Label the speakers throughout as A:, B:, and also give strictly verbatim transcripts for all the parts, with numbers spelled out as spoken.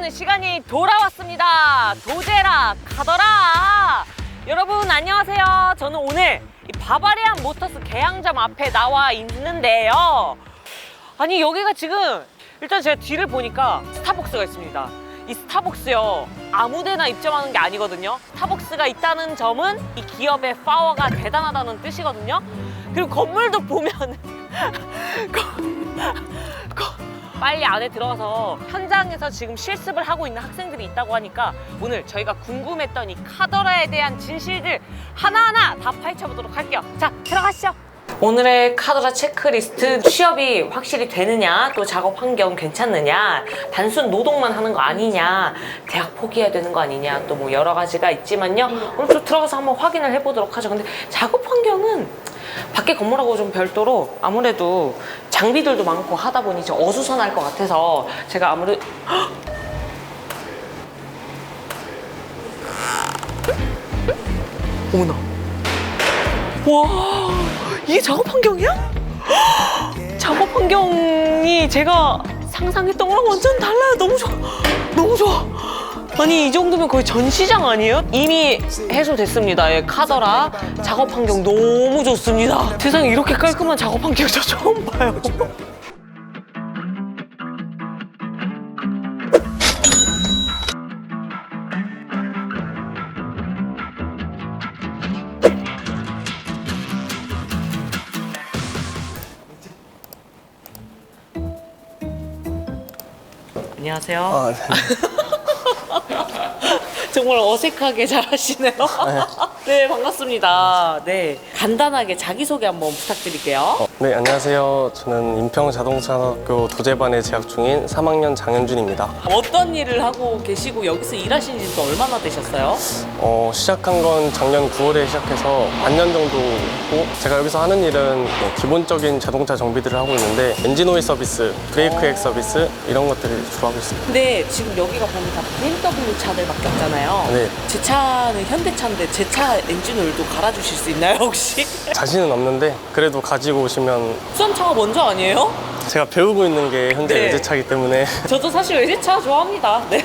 A: 하는 시간이 돌아왔습니다. 도제라 가더라. 여러분 안녕하세요. 저는 오늘 이 바바리안 모터스 개항점 앞에 나와 있는데요. 아니 여기가 지금 일단 제가 뒤를 보니까 스타벅스가 있습니다. 이 스타벅스요, 아무데나 입점하는 게 아니거든요. 스타벅스가 있다는 점은 이 기업의 파워가 대단하다는 뜻이거든요. 그리고 건물도 보면 빨리 안에 들어가서 현장에서 지금 실습을 하고 있는 학생들이 있다고 하니까 오늘 저희가 궁금했던 이 카더라에 대한 진실들 하나하나 다 파헤쳐보도록 할게요. 자, 들어가시죠. 오늘의 카더라 체크리스트, 취업이 확실히 되느냐, 또 작업 환경 괜찮느냐, 단순 노동만 하는 거 아니냐, 대학 포기해야 되는 거 아니냐, 또 뭐 여러 가지가 있지만요. 오늘 좀 들어가서 한번 확인을 해보도록 하죠. 근데 작업 환경은 밖에 건물하고 좀 별도로 아무래도 장비들도 많고 하다 보니 좀 어수선할 것 같아서 제가 아무래도 어머나, 와, 이게 작업 환경이야? 작업 환경이 제가 상상했던 거랑 완전 달라요. 너무 좋아, 너무 좋아. 아니 이 정도면 거의 전시장 아니에요? 이미 해소됐습니다. 예, 카더라 작업 환경 너무 좋습니다. 세상에 이렇게 깔끔한 작업 환경 저 처음 봐요. 안녕하세요.
B: 아, 네.
A: 정말 어색하게 잘하시네요. 네, 반갑습니다. 네, 간단하게 자기소개 한번 부탁드릴게요.
B: 어, 네, 안녕하세요. 저는 인평자동차학교 도제반에 재학 중인 삼 학년 장현준입니다.
A: 어떤 일을 하고 계시고 여기서 일하신 지 또 얼마나 되셨어요?
B: 어, 시작한 건 작년 구월에 시작해서 반년 정도 했고, 제가 여기서 하는 일은 뭐 기본적인 자동차 정비들을 하고 있는데 엔진 오일 서비스, 브레이크 액 서비스 이런 것들을 주로 하고 있습니다.
A: 근데 지금 여기가 보면 다 비엠더블유 차들밖에 없잖아요.
B: 네.
A: 제 차는 현대차인데 제 차 엔진 오일도 갈아주실 수 있나요 혹시?
B: 자신은 없는데 그래도 가지고 오시면.
A: 수험차가 먼저 아니에요?
B: 제가 배우고 있는 게 현재
A: 네.
B: 외제차이기 때문에.
A: 저도 사실 외제차 좋아합니다. 네.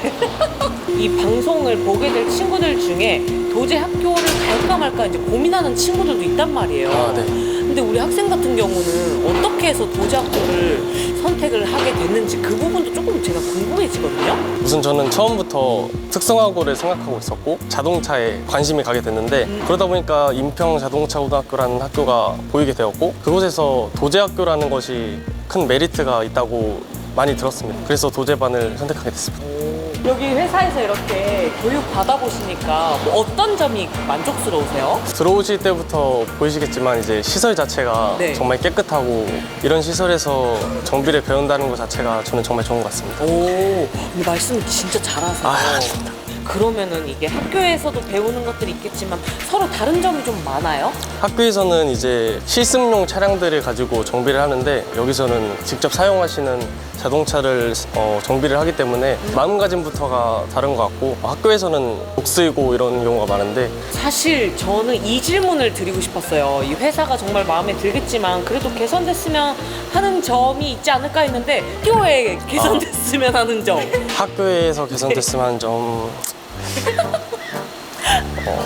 A: 이 방송을 보게 될 친구들 중에 도제 학교를 갈까 말까 이제 고민하는 친구들도 있단 말이에요.
B: 아, 네.
A: 근데 우리 학생 같은 경우는 어떻게 해서 도제 학교를 선택을 하게 됐는지 그 부분도 조금 제가 궁금해지거든요.
B: 우선 저는 처음부터 특성화고를 생각하고 있었고 자동차에 관심이 가게 됐는데
A: 음.
B: 그러다 보니까 인평자동차고등학교라는 학교가 보이게 되었고 그곳에서 도제학교라는 것이 큰 메리트가 있다고 많이 들었습니다. 그래서 도제반을 선택하게 됐습니다.
A: 여기 회사에서 이렇게 교육 받아보시니까 뭐 어떤 점이 만족스러우세요?
B: 들어오실 때부터 보이시겠지만 이제 시설 자체가
A: 네.
B: 정말 깨끗하고 이런 시설에서 정비를 배운다는 것 자체가 저는 정말 좋은 것 같습니다.
A: 오, 이 말씀 진짜 잘하세요.
B: 아, 아닙니다.
A: 그러면은 이게 학교에서도 배우는 것들이 있겠지만 서로 다른 점이 좀 많아요?
B: 학교에서는 이제 실습용 차량들을 가지고 정비를 하는데 여기서는 직접 사용하시는 자동차를 어, 정비를 하기 때문에 마음가짐부터가 다른 것 같고 학교에서는 목 쓰이고 이런 경우가 많은데
A: 사실 저는 이 질문을 드리고 싶었어요. 이 회사가 정말 마음에 들겠지만 그래도 개선됐으면 하는 점이 있지 않을까 했는데 학교에 개선됐으면 하는 점.
B: 학교에서 개선됐으면 하는 점 어,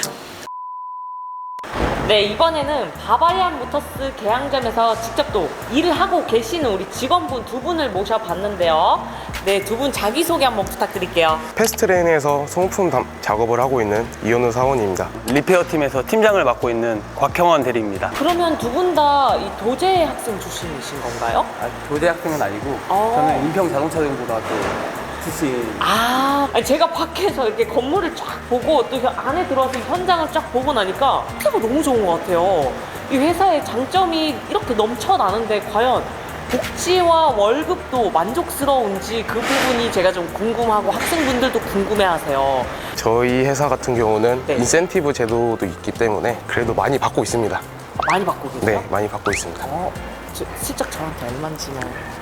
A: 네, 이번에는 바바리안 모터스 개항점에서 직접 또 일을 하고 계시는 우리 직원분 두 분을 모셔봤는데요. 네, 두 분 자기소개 한번 부탁드릴게요.
C: 패스트레인에서 소모품 담- 작업을 하고 있는 이현우 사원입니다.
D: 리페어 팀에서 팀장을 맡고 있는 곽형원 대리입니다.
A: 그러면 두 분 다 이 도제 학생 출신이신 건가요?
D: 아, 도대 학생은 아니고
A: 어.
D: 저는 인평자동차고등학교 출신.
A: 아, 아니 제가 밖에서 이렇게 건물을 쫙 보고 또 안에 들어와서 현장을 쫙 보고 나니까 회사가 너무 좋은 것 같아요. 이 회사의 장점이 이렇게 넘쳐나는데 과연 복지와 월급도 만족스러운지 그 부분이 제가 좀 궁금하고 학생분들도 궁금해하세요.
C: 저희 회사 같은 경우는
A: 네.
C: 인센티브 제도도 있기 때문에 그래도 많이 받고 있습니다.
A: 많이 받고 계세요?
C: 네, 많이 받고 있습니다.
A: 어, 저, 슬쩍 저한테 얼마인지만.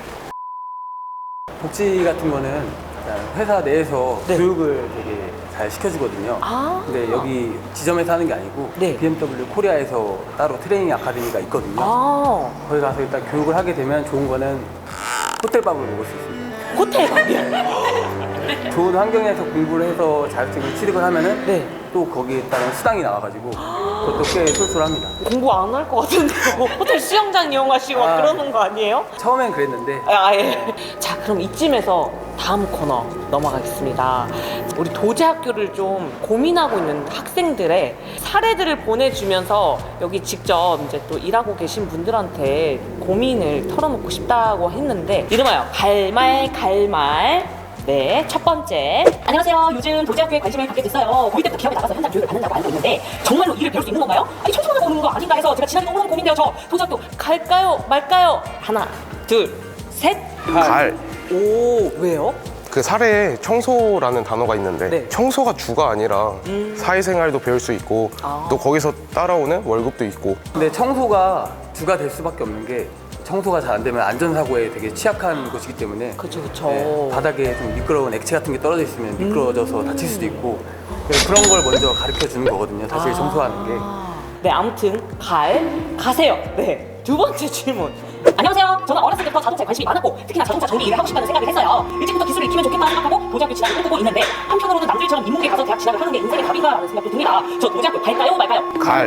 D: 복지 같은 거는 그냥 회사 내에서
A: 네.
D: 교육을 되게 잘 시켜주거든요.
A: 아.
D: 근데 여기 지점에서 하는 게 아니고
A: 네.
D: 비엠더블유 코리아에서 따로 트레이닝 아카데미가 있거든요.
A: 아,
D: 거기 가서 일단 교육을 하게 되면 좋은 거는 호텔밥을 먹을 수 있습니다.
A: 호텔 밥이요?
D: 좋은 환경에서 공부를 해서 자격증을 취득을 하면은
A: 네.
D: 또 거기에 따른 수당이 나와가지고 그것도 꽤 쏠쏠합니다.
A: 공부 안 할 것 같은데 뭐 호텔 수영장 이용하시고 막
D: 아.
A: 그러는 거 아니에요?
D: 처음엔 그랬는데
A: 아, 예. 자, 그럼 이쯤에서 다음 코너 넘어가겠습니다. 우리 도제학교를 좀 고민하고 있는 학생들의 사례들을 보내주면서 여기 직접 이제 또 일하고 계신 분들한테 고민을 털어놓고 싶다고 했는데 이름하여 갈말 갈말. 네, 첫 번째. 안녕하세요. 요즘 도제학교에 관심을 갖게 됐어요. 고이 때부터 기업에 나가서 현장 교육을 받는다고 알고 있는데 정말로 일을 배울 수 있는 건가요? 아니, 청소만 오는 거 아닌가 해서 제가 지난주에 너무 고민돼요. 저 도제학교 갈까요? 말까요? 하나, 둘, 셋.
C: 갈.
A: 오, 왜요?
C: 그 사례에 청소라는 단어가 있는데
A: 네.
C: 청소가 주가 아니라
A: 음.
C: 사회생활도 배울 수 있고
A: 아.
C: 또 거기서 따라오는 월급도 있고
D: 근데 청소가 주가 될 수밖에 없는 게 청소가 잘 안 되면 안전사고에 되게 취약한 곳이기 때문에
A: 그쵸, 그쵸.
D: 네, 바닥에 좀 미끄러운 액체 같은 게 떨어져 있으면 미끄러져서 다칠 수도 있고 그래서 그런 걸 먼저 가르쳐 주는 거거든요. 사실
A: 아.
D: 청소하는 게.
A: 네, 아무튼 갈 가세요. 네, 두 번째 질문. 안녕하세요. 저는 어렸을 때부터 자동차에 관심이 많았고 특히나 자동차 정비 일을 하고 싶다는 생각을 했어요. 일찍부터 기술을 익히면 좋겠다 생각하고 도제학교 진학을 꿈꾸고 있는데 한편으로는 남들처럼 인문계 가서 대학 진학을 하는 게 인생의 답인가라는 생각도 듭니다. 저 도제학교 갈까요 말까요?
C: 갈.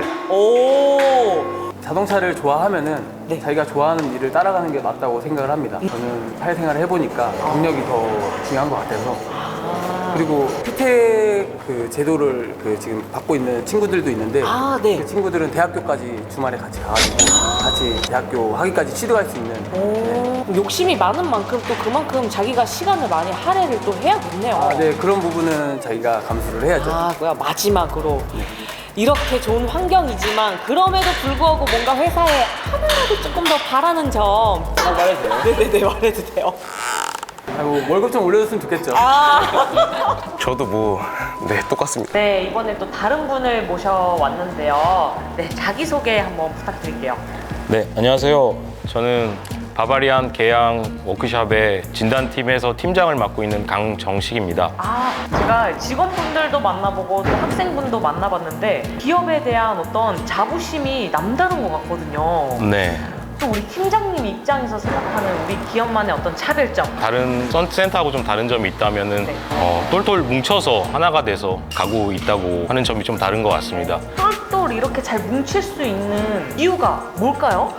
A: 오.
D: 자동차를 좋아하면은
A: 네.
D: 자기가 좋아하는 일을 따라가는 게 맞다고 생각을 합니다. 저는 사회생활을 해보니까 경력이 더 중요한 것 같아서 그리고 피텍 그 제도를 그 지금 받고 있는 친구들도 있는데
A: 아, 네.
D: 그 친구들은 대학교까지 주말에 같이 가가지고 같이 대학교 학위까지 취득할 수 있는 네.
A: 오. 욕심이 많은 만큼 또 그만큼 자기가 시간을 많이 할애를 또 해야겠네요.
D: 아, 네 그런 부분은 자기가 감수를 해야죠.
A: 아, 뭐야, 마지막으로. 이렇게 좋은 환경이지만 그럼에도 불구하고 뭔가 회사에 하나라도 조금 더 바라는 점.
D: 아, 말해도 돼요?
A: 네네네, 말해도 돼요.
D: 아이고, 월급 좀 올려줬으면 좋겠죠.
A: 아.
C: 저도 뭐 네 똑같습니다.
A: 네, 이번에 또 다른 분을 모셔왔는데요. 네, 자기소개 한번 부탁드릴게요.
E: 네, 안녕하세요. 저는 바바리안 계양 워크숍의 진단팀에서 팀장을 맡고 있는 강정식입니다.
A: 아, 제가 직원분들도 만나보고 또 학생분도 만나봤는데 기업에 대한 어떤 자부심이 남다른 것 같거든요.
E: 네,
A: 또 우리 팀장님 입장에서 생각하는 우리 기업만의 어떤 차별점.
E: 다른 선센터하고 좀 다른 점이 있다면은
A: 네.
E: 어, 똘똘 뭉쳐서 하나가 돼서 가고 있다고 하는 점이 좀 다른 것 같습니다.
A: 똘똘 이렇게 잘 뭉칠 수 있는 이유가 뭘까요?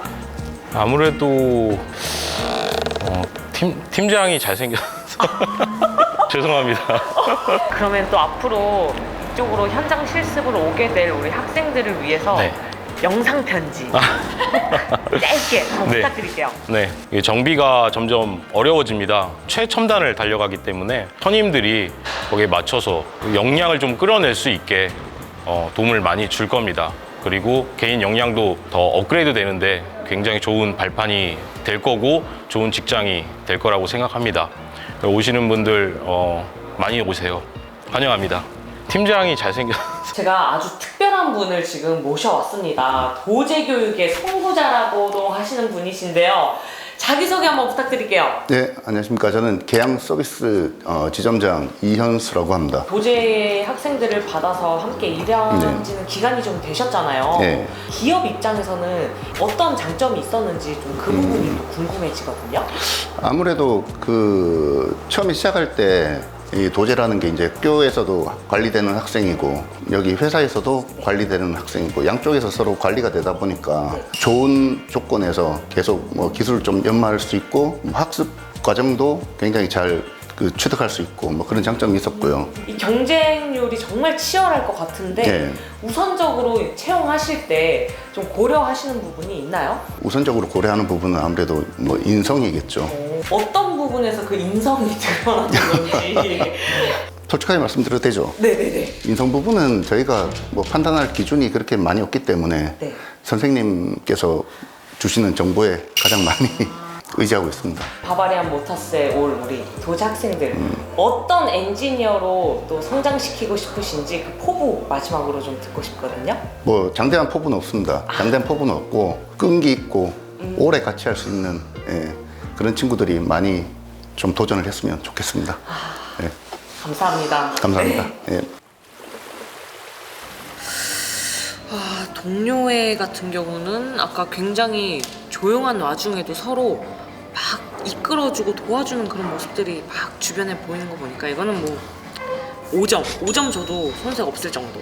E: 아무래도 어, 팀, 팀장이 잘생겨서 죄송합니다.
A: 그러면 또 앞으로 이쪽으로 현장 실습을 오게 될 우리 학생들을 위해서
E: 네.
A: 영상 편지 짧게 한번
E: 네.
A: 부탁드릴게요.
E: 네, 이게 정비가 점점 어려워집니다. 최첨단을 달려가기 때문에 선임들이 거기에 맞춰서 역량을 좀 끌어낼 수 있게 어, 도움을 많이 줄 겁니다. 그리고 개인 역량도 더 업그레이드 되는데 굉장히 좋은 발판이 될 거고 좋은 직장이 될 거라고 생각합니다. 오시는 분들 어, 많이 오세요. 환영합니다. 팀장이 잘생겨서
A: 제가 아주 특별한 분을 지금 모셔왔습니다. 도제교육의 선구자라고도 하시는 분이신데요. 자기소개 한번 부탁드릴게요.
F: 네, 안녕하십니까. 저는 계양 서비스 어, 지점장 이현수라고 합니다.
A: 도제 학생들을 받아서 함께 일한 지는 기간이 좀 되셨잖아요.
F: 네.
A: 기업 입장에서는 어떤 장점이 있었는지 좀 그 부분이 또 궁금해지거든요.
F: 아무래도 그 처음에 시작할 때 이 도제라는 게 이제 학교에서도 관리되는 학생이고 여기 회사에서도 관리되는 학생이고 양쪽에서 서로 관리가 되다 보니까 좋은 조건에서 계속 뭐 기술을 좀 연마할 수 있고 뭐 학습 과정도 굉장히 잘 그 취득할 수 있고 뭐 그런 장점이 있었고요.
A: 이 경쟁률이 정말 치열할 것 같은데
F: 네.
A: 우선적으로 채용하실 때 좀 고려하시는 부분이 있나요?
F: 우선적으로 고려하는 부분은 아무래도 뭐 인성이겠죠.
A: 어, 어떤 부분에서 그 인성이 드러나는 건지.
F: 솔직하게 말씀드려도 되죠.
A: 네네네.
F: 인성 부분은 저희가 뭐 판단할 기준이 그렇게 많이 없기 때문에
A: 네.
F: 선생님께서 주시는 정보에 가장 많이 의지하고 있습니다.
A: 바바리안 모터스에 올 우리 도제 학생들 어떤 엔지니어로 또 성장시키고 싶으신지 그 포부 마지막으로 좀 듣고 싶거든요.
F: 뭐 장대한 포부는 없습니다. 장대한 포부는 없고 끈기 있고 오래 같이 할 수 있는 예, 그런 친구들이 많이 좀 도전을 했으면 좋겠습니다. 예,
A: 감사합니다.
F: 감사합니다.
A: 네.
F: 예.
A: 아, 동료회 같은 경우는 아까 굉장히 조용한 와중에도 서로 막 이끌어주고 도와주는 그런 모습들이 막 주변에 보이는 거 보니까 이거는 뭐 오 점, 오 점 줘도 손색 없을 정도.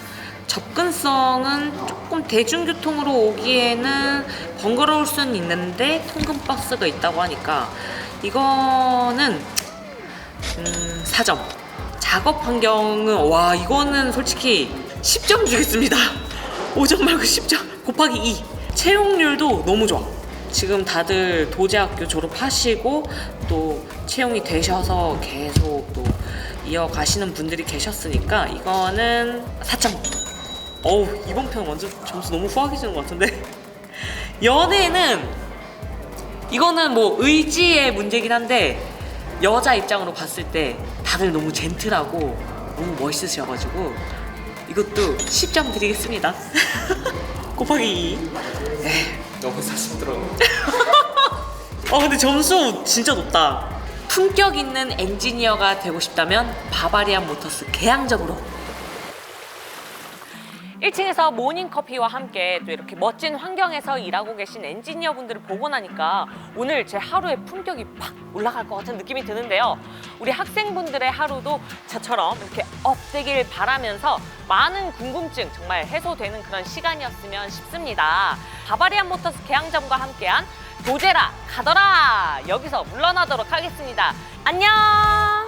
A: 접근성은 조금 대중교통으로 오기에는 번거로울 수는 있는데 통금 버스가 있다고 하니까 이거는 음, 사 점. 작업 환경은 와 이거는 솔직히 십 점 주겠습니다. 오 점 말고 십 점 곱하기 이. 채용률도 너무 좋아. 지금 다들 도제학교 졸업하시고 또 채용이 되셔서 계속 또 이어가시는 분들이 계셨으니까 이거는 사 점. 어우 이번 편 완전 점수 너무 후하게 주는 것 같은데. 연애는 이거는 뭐 의지의 문제긴 한데 여자 입장으로 봤을 때 다들 너무 젠틀하고 너무 멋있으셔가지고 이것도 십 점 드리겠습니다. 곱하기 이.
B: 너무 사심 들어.
A: 어 근데 점수 진짜 높다. 품격 있는 엔지니어가 되고 싶다면 바바리안 모터스 계양적으로. 일 층에서 모닝커피와 함께 또 이렇게 멋진 환경에서 일하고 계신 엔지니어 분들을 보고 나니까 오늘 제 하루의 품격이 팍 올라갈 것 같은 느낌이 드는데요. 우리 학생분들의 하루도 저처럼 이렇게 업되길 바라면서 많은 궁금증 정말 해소되는 그런 시간이었으면 싶습니다. 바바리안 모터스 계양점과 함께한 도제라 가더라 여기서 물러나도록 하겠습니다. 안녕.